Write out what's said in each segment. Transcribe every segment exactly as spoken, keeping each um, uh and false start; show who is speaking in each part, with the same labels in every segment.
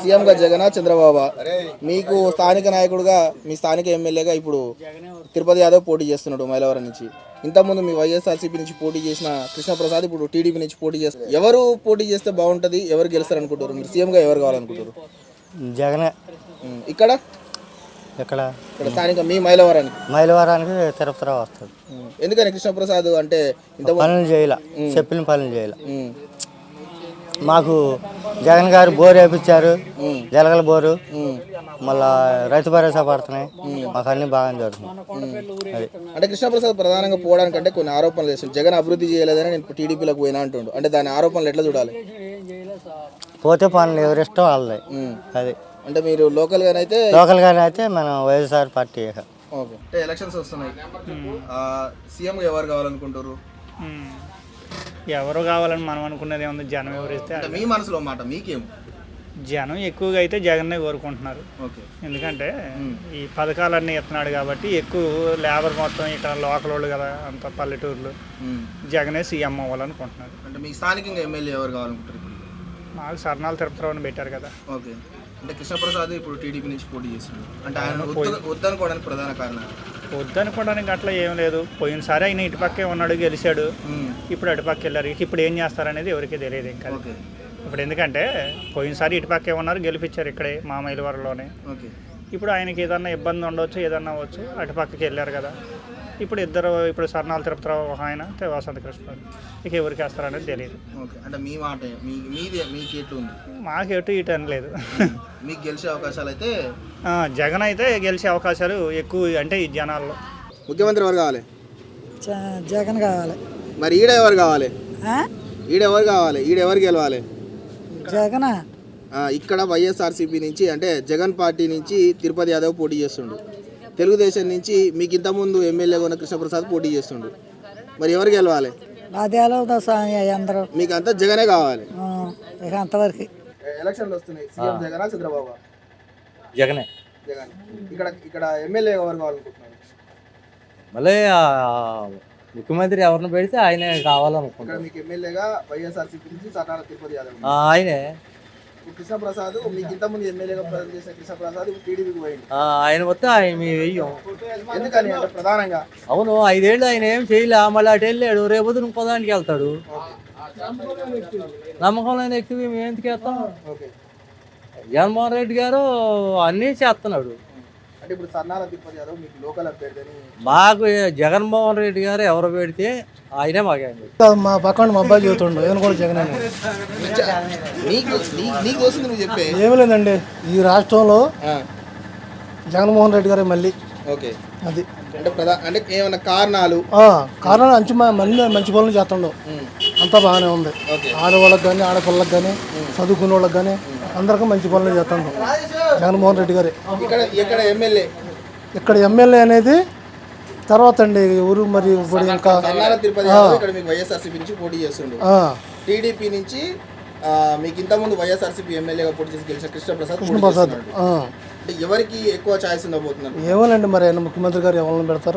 Speaker 1: సీఎంగా జగన్ చంద్రబాబు మీకు స్థానిక నాయకుడుగా మీ స్థానిక ఎమ్మెల్యేగా ఇప్పుడు తిరుపతి యాదవ్ పోటీ చేస్తున్నాడు మైలవరం నుంచి. ఇంతకుముందు మీ వైఎస్ఆర్సీపీ నుంచి పోటీ చేసిన కృష్ణప్రసాద్ ఇప్పుడు టీడీపీ నుంచి పోటీ చేస్తారు. ఎవరు పోటీ చేస్తే బాగుంటుంది, ఎవరు గెలుస్తారు అనుకుంటారు? మీరు సీఎంగా ఎవరు కావాలనుకుంటారు?
Speaker 2: జగనే.
Speaker 1: ఇక్కడ
Speaker 2: ఇక్కడ
Speaker 1: ఇక్కడ స్థానిక మీ మైలవరానికి
Speaker 2: మైలవరానికి తిరుపతిరావు వస్తాడు.
Speaker 1: ఎందుకని కృష్ణప్రసాద్ అంటే ఇంత
Speaker 2: పనులు చేయాల, చెప్పిన పనులు చేయాల. మాకు జగన్ గారు బోరు వేయించారు, జలగల బోరు, మళ్ళా రైతు భరోసా పడుతున్నాయి, మాకు అన్ని బాగా జరుగుతుంది. అది
Speaker 1: అంటే కృష్ణప్రసాద్ ప్రధానంగా పోవడానికంటే కొన్ని ఆరోపణలు చేస్తుంది. జగన్ అభివృద్ధి చేయలేదని నేను టీడీపీలోకి పోయినా అంటుండు. అంటే దాని ఆరోపణలు ఎట్లా చూడాలి?
Speaker 2: పోతే పనులు ఎవరిష్టం వాళ్ళది. అది
Speaker 1: అంటే మీరు లోకల్గానైతే
Speaker 2: లోకల్గానే అయితే మనం వైఎస్ఆర్ పార్టీ.
Speaker 1: ఓకే. అంటే ఎలక్షన్స్ వస్తున్నాయి, సీఎంగా ఎవరు కావాలనుకుంటారు?
Speaker 3: ఎవరు కావాలని మనం అనుకున్నది ఏముంది, జనం ఎవరిస్తే
Speaker 1: మీ మనసులో మాట మీకేం?
Speaker 3: జనం ఎక్కువగా అయితే జగన్నే కోరుకుంటున్నారు. ఎందుకంటే ఈ పథకాలన్నీ ఎత్తున్నాడు కాబట్టి ఎక్కువ లేబర్ మొత్తం ఇక్కడ లోకల్ వాళ్ళు కదా, అంత పల్లెటూర్లు, జగనే సీఎం అవ్వాలనుకుంటున్నారు.
Speaker 1: అంటే మీ స్థానికంగా ఎమ్మెల్యే ఎవరు కావాలనుకుంటారు?
Speaker 3: మాకు సర్నాలు తిరుపతిరావుని పెట్టారు కదా.
Speaker 1: ఓకే. అంటే కృష్ణప్రసాద్ ఇప్పుడు టీడీపీ నుంచి పోటీ చేస్తున్నాడు. అంటే ఆయన వద్దనుకోవడానికి ప్రధాన కారణం?
Speaker 3: వద్దనుకోవడానికి అట్లా ఏం లేదు. పోయినసారి ఆయన ఇటుపక్కే ఉన్నాడు, గెలిచాడు. ఇప్పుడు అటుపక్క వెళ్ళారు. ఇప్పుడు ఏం చేస్తారనేది ఎవరికి తెలియదు ఇంకా. ఇప్పుడు ఎందుకంటే పోయినసారి ఇటుపక్కే ఉన్నారు, గెలిపించారు ఇక్కడే మా మైలవరంలోనే. ఇప్పుడు ఆయనకి ఏదన్నా ఇబ్బంది ఉండవచ్చు, ఏదన్నా అవ్వచ్చు, అటుపక్కకి వెళ్ళారు కదా. ఇప్పుడు ఇద్దరు, ఇప్పుడు సర్నాల తిరుపతిరావు ఒక ఆయన, వసంత కృష్ణ, ఇక ఎవరికి వేస్తారనేది తెలియదు.
Speaker 1: అంటే మీ మాట మీది మీకు ఎట్లు ఉంది?
Speaker 3: మాకు ఎటు ఇటు అని లేదు.
Speaker 1: మీకు గెలిచే అవకాశాలు అయితే
Speaker 3: జగన్ అయితే గెలిచే అవకాశాలు ఎక్కువ. అంటే ఈ జనాల్లో
Speaker 1: ముఖ్యమంత్రి ఎవరు కావాలి?
Speaker 4: జగన్ కావాలి.
Speaker 1: మరి ఈడ ఎవరు కావాలి? ఈడ ఎవరు కావాలి? ఈడ ఎవరు గెలవాలి?
Speaker 4: జగన్.
Speaker 1: ఇక్కడ వైఎస్ఆర్సీపీ నుంచి అంటే జగన్ పార్టీ నుంచి తిరుపతి యాదవ్ పోటీ చేస్తుండు. తెలుగుదేశం నుంచి మీకు ఇంతకుముందు ఎమ్మెల్యేగా ఉన్న కృష్ణప్రసాద్ పోటీ చేస్తుండు. మరి ఎవరు గెలవాలి?
Speaker 4: అందరూ
Speaker 1: మీకు అంతా జగనే కావాలి.
Speaker 4: అంతవరకు
Speaker 1: ఎలక్షన్లు వస్తున్నాయి, సీఎం జగన్ చంద్రబాబు?
Speaker 2: జగనే.
Speaker 1: జగన్. ఇక్కడ ఇక్కడ ఎమ్మెల్యే ఎవరు కావాలనుకుంటున్నారు?
Speaker 2: మళ్ళీ ముఖ్యమంత్రి ఎవరిని పెడితే ఆయనే కావాలనుకుంటున్నారు.
Speaker 1: మీకు ఎమ్మెల్యేగా వైఎస్ఆర్సీపీ నుంచి సర్నాల తిరుపతి యాదవ్
Speaker 2: ఆయనే.
Speaker 1: కృష్ణప్రసాద్ మీకు ఇంతకుముందు ఎమ్మెల్యేగా చేసిన కృష్ణప్రసాద్ టీడీపీకి పోయింది.
Speaker 2: ఆయన వస్తే ఆయన మేము వెయ్యం.
Speaker 1: ఎందుకని అంటే ప్రధానంగా?
Speaker 2: అవును, ఐదేళ్ళు ఆయన ఏం చేయలే, మళ్ళీ అటు వెళ్ళాడు, రేపు ఇంకో దానికి వెళ్తాడు. నమ్మకం లేని వ్యక్తి మేము ఎందుకు వేస్తాం? జగన్మోహన్ రెడ్డి గారు అన్నీ చేస్తున్నాడు.
Speaker 1: అంటే ఇప్పుడు సర్నాల తిరుపతి యాదవ్ మీకు లోకల్ అభ్యర్థి అని
Speaker 2: మాకు జగన్మోహన్ రెడ్డి గారు ఎవరు పెడితే ఆయనే మాకే.
Speaker 4: మా పక్కన మా అబ్బాయి చదువుతుండు, ఏమైనా కూడా జగన్. ఏమి లేదండి, ఈ రాష్ట్రంలో జగన్మోహన్ రెడ్డి గారే మళ్ళీ.
Speaker 1: ఓకే.
Speaker 4: అది
Speaker 1: అంటే ప్రధా అంటే ఏమైనా కారణాలు?
Speaker 4: కారణాలు మంచి మళ్ళీ మంచి పనులు చేస్తుండవు, అంతా బాగానే ఉంది. ఆడవాళ్ళకి కానీ ఆడపిల్లకి కానీ చదువుకునే వాళ్ళకి కానీ అందరికీ మంచి పనులు చేస్తుండవు జగన్మోహన్ రెడ్డి గారే.
Speaker 1: ఇక్కడ ఇక్కడ ఎమ్మెల్యే
Speaker 4: ఇక్కడ ఎమ్మెల్యే అనేది తర్వాత అండి ఊరు. మరి ఇప్పుడు ఇంకా
Speaker 1: వైఎస్ఆర్సీపీ నుంచి పోటీ చేస్తుండే, టీడీపీ నుంచి మీకు ఇంతకుముందు వైఎస్ఆర్సీపీ ఎమ్మెల్యేగా పోటీ చేసి గెలిచిన కృష్ణప్రసాద్ కృష్ణప్రసాద్ అంటే ఎవరికి ఎక్కువ ఛాయిస్ ఉండబోతున్నారు?
Speaker 4: ఏమోనండి, మరి ఆయన ముఖ్యమంత్రి గారు ఎవరిని పెడతారు?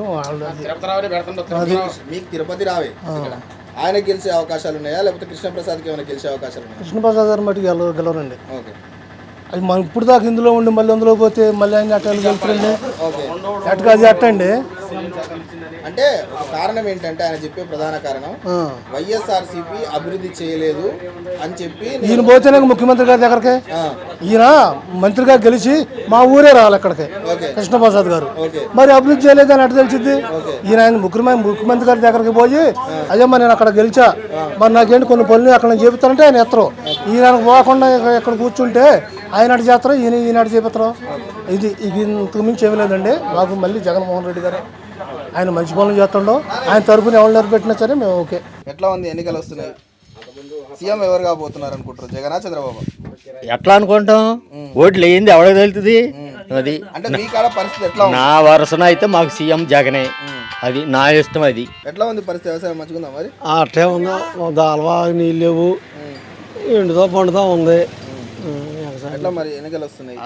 Speaker 1: మీకు తిరుపతి రావే, ఆయన గెలిచే అవకాశాలు ఉన్నాయా లేకపోతే కృష్ణప్రసాద్కి ఏమైనా గెలిచే అవకాశాలు ఉన్నాయా?
Speaker 4: కృష్ణప్రసాద్ గారు మటుకు గెలవ గెలవరండి. అది మనం ఇప్పుడు దాకా ఇందులో ఉండి మళ్ళీ అందులో పోతే మళ్ళీ ఆయన అట్ట గెలుతారండి. అట్టుగా అది అట్టండి.
Speaker 1: అంటే కారణం ఏంటంటే ఆయన చెప్పే ప్రధాన కారణం వైఎస్ఆర్సీపీ అభివృద్ధి చేయలేదు అని చెప్పి. ఈయన
Speaker 4: పోతేనే ముఖ్యమంత్రి గారి దగ్గరకి, ఈయన మంత్రిగా గెలిచి మా ఊరే రావాలి ఇక్కడికి కృష్ణప్రసాద్ గారు. మరి అభివృద్ధి చేయలేదు అని అటు తెలిసింది. ఈయన ఆయన ముఖ్యమంత్రి ముఖ్యమంత్రి గారి దగ్గరికి పోయి అయ్యా మరి నేను అక్కడ గెలిచా, మరి నాకేంటి కొన్ని పనులు అక్కడ నేను చెబుతానంటే ఆయన ఎత్తరు. ఈయన పోకుండా ఇక్కడ కూర్చుంటే ఆయన అటు చేస్తారు, ఈయన ఈయన అటు చేపిస్తారు. ఇది ఇది ఇంతకు మించి ఏమీ లేదండి. మాకు మళ్ళీ జగన్మోహన్ రెడ్డి గారే, ఆయన మంచి పనులు చేస్తుండో, ఆయన తరఫున ఎవరు నిలబెట్టినా సరే మేము ఓకే.
Speaker 1: ఎట్లా ఉంది? ఎన్నికలు వస్తున్నాయి, సీఎం ఎవరు కాబోతున్నారు అనుకుంటారు? జగన్ చంద్రబాబు?
Speaker 2: ఎట్లా అనుకుంటాం, ఓట్లు వేయింది ఎవరికి తెలుస్తుంది. అది
Speaker 1: అంటే మీ కాడ పరిస్థితి ఎట్లా?
Speaker 2: నా వరుసన అయితే మాకు సీఎం జగనే, అది నా ఇష్టం. అది
Speaker 1: ఎట్లా ఉంది పరిస్థితి? వ్యవసాయం మంచిగా ఉందా మరి?
Speaker 4: అట్లే ఉందా, దాల్వా నీళ్ళు లేవు, ఎండుతో పండుతా ఉంది.
Speaker 1: ఎట్లా మరి ఎన్నికలు వస్తున్నాయి,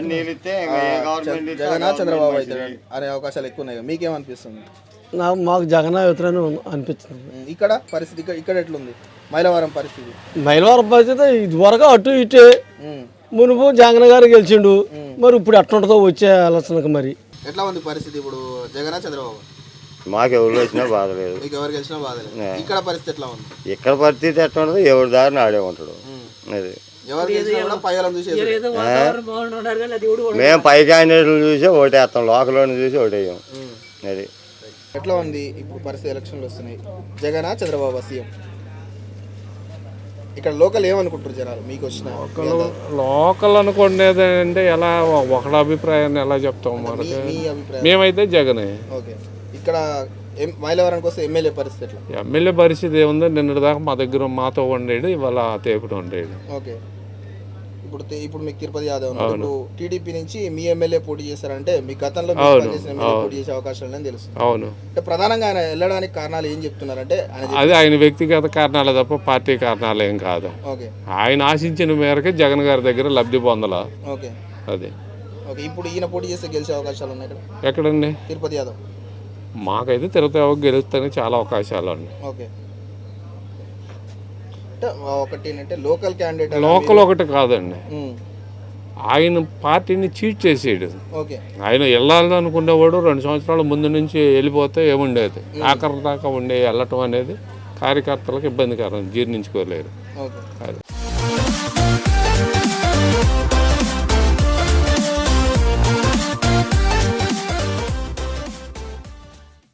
Speaker 1: జగన్ చంద్రబాబు అయితే అనే అవకాశాలు ఎక్కువ ఉన్నాయి, మీకేమనిపిస్తుంది?
Speaker 4: నాకు మాకు జగన్ అవుతారని అనిపిస్తుంది.
Speaker 1: ఇక్కడ పరిస్థితి ఇక్కడ ఇక్కడ ఎట్లుంది మైలవరం పరిస్థితి?
Speaker 4: మైలవరం పరిస్థితి ఇది వరకు అటు ఇటే,
Speaker 5: మునుపు జగన్ గారు గెలిచిండు మరి ఇప్పుడు ఎట్లుంటుందో వచ్చే ఆలోచనకు మరి
Speaker 1: ఎట్లా ఉంది పరిస్థితి ఇప్పుడు జగన్ చంద్రబాబు?
Speaker 6: మాకు ఎవరు వచ్చినా బాధ లేదు.
Speaker 1: మీకు ఎవరు గెలిచినా బాధ లేదు. ఇక్కడ పరిస్థితి ఎట్లా ఉంది?
Speaker 6: ఇక్కడ పరిస్థితి ఎట్లా ఉంటుంది, ఎవరి దారిని ఆడే ఉంటాడు. అది
Speaker 1: ఎవరు గెలిచినా కూడా పైలను చూసేది.
Speaker 6: మేము పై క్యాండిడేట్లు చూసి ఓటేస్తాం, లోకల్ని చూసి ఓటేయం. అది
Speaker 1: ఎట్లా ఉంది ఇప్పుడు పరిస్థితి? ఎలక్షన్లు వస్తున్నాయి, జగన్ చంద్రబాబు సీఎం. ఇక్కడ లోకల్ ఏమనుకుంటారు జనాలు మీకు వచ్చిన?
Speaker 7: లోకల్ అనుకునేది అంటే ఎలా ఒకళ్ళ అభిప్రాయాన్ని ఎలా చెప్తాం మనకి?
Speaker 1: మీ అభిప్రాయం?
Speaker 7: మేమైతే జగనే.
Speaker 1: ఓకే. ఇక్కడ ఎం- మైలవరానికి వస్తే ఎమ్మెల్యే పరిస్థితి ఎట్లా?
Speaker 7: ఎమ్మెల్యే పరిస్థితి ఏముంది, నిన్నటి దాకా మా దగ్గర మాతో ఉండేది, ఇవాళ తేపుడు ఉండేది.
Speaker 1: ఓకే. ఇప్పుడు తి- ఇప్పుడు మీకు తిరుపతి యాదవ్ ఉన్నారు. ఇప్పుడు టీడీపీ నుంచి మీ ఎమ్మెల్యే పోటీ చేస్తారంటే మీ గతంలో మీరు పనిచేసిన ఎమ్మెల్యే పోటీ చేసే అవకాశాలు లేని తెలుసు.
Speaker 7: అవును,
Speaker 1: అంటే ప్రధానంగా ఆయన వెళ్ళడానికి కారణాలు ఏం చెప్తున్నారంటే ఆయన చెప్-
Speaker 7: అది ఆయన వ్యక్తిగత కారణాలే తప్ప పార్టీ కారణాలు ఏం కాదు.
Speaker 1: ఓకే.
Speaker 7: ఆయన ఆశించిన మేరకే జగన్ గారి దగ్గర లబ్ధి పొందలా.
Speaker 1: ఓకే.
Speaker 7: అది
Speaker 1: ఓకే. ఇప్పుడు ఈయన పోటీ చేస్తే గెలిచే అవకాశాలు ఉన్నాయి ఇక్కడ
Speaker 7: ఎక్కడండి?
Speaker 1: తిరుపతి యాదవ్.
Speaker 7: మాకైతే తిరుపతి గెలుస్తానే చాలా అవకాశాలు ఉన్నాయి.
Speaker 1: ఓకే. అంటే ఒకటి ఏంటంటే లోకల్ క్యాండిడేట్
Speaker 7: లోకల్ ఒకటి కాదండి, ఆయన పార్టీని చీట్ చేసేయడు.
Speaker 1: ఓకే.
Speaker 7: ఆయన వెళ్ళాలని అనుకునేవాడు రెండు సంవత్సరాల ముందు నుంచి వెళ్ళిపోతే ఏముండేది, ఆఖరి దాకా ఉండే వెళ్ళటం అనేది కార్యకర్తలకు ఇబ్బందికరం, జీర్ణించుకోలేరు.
Speaker 1: ఓకే.
Speaker 7: అది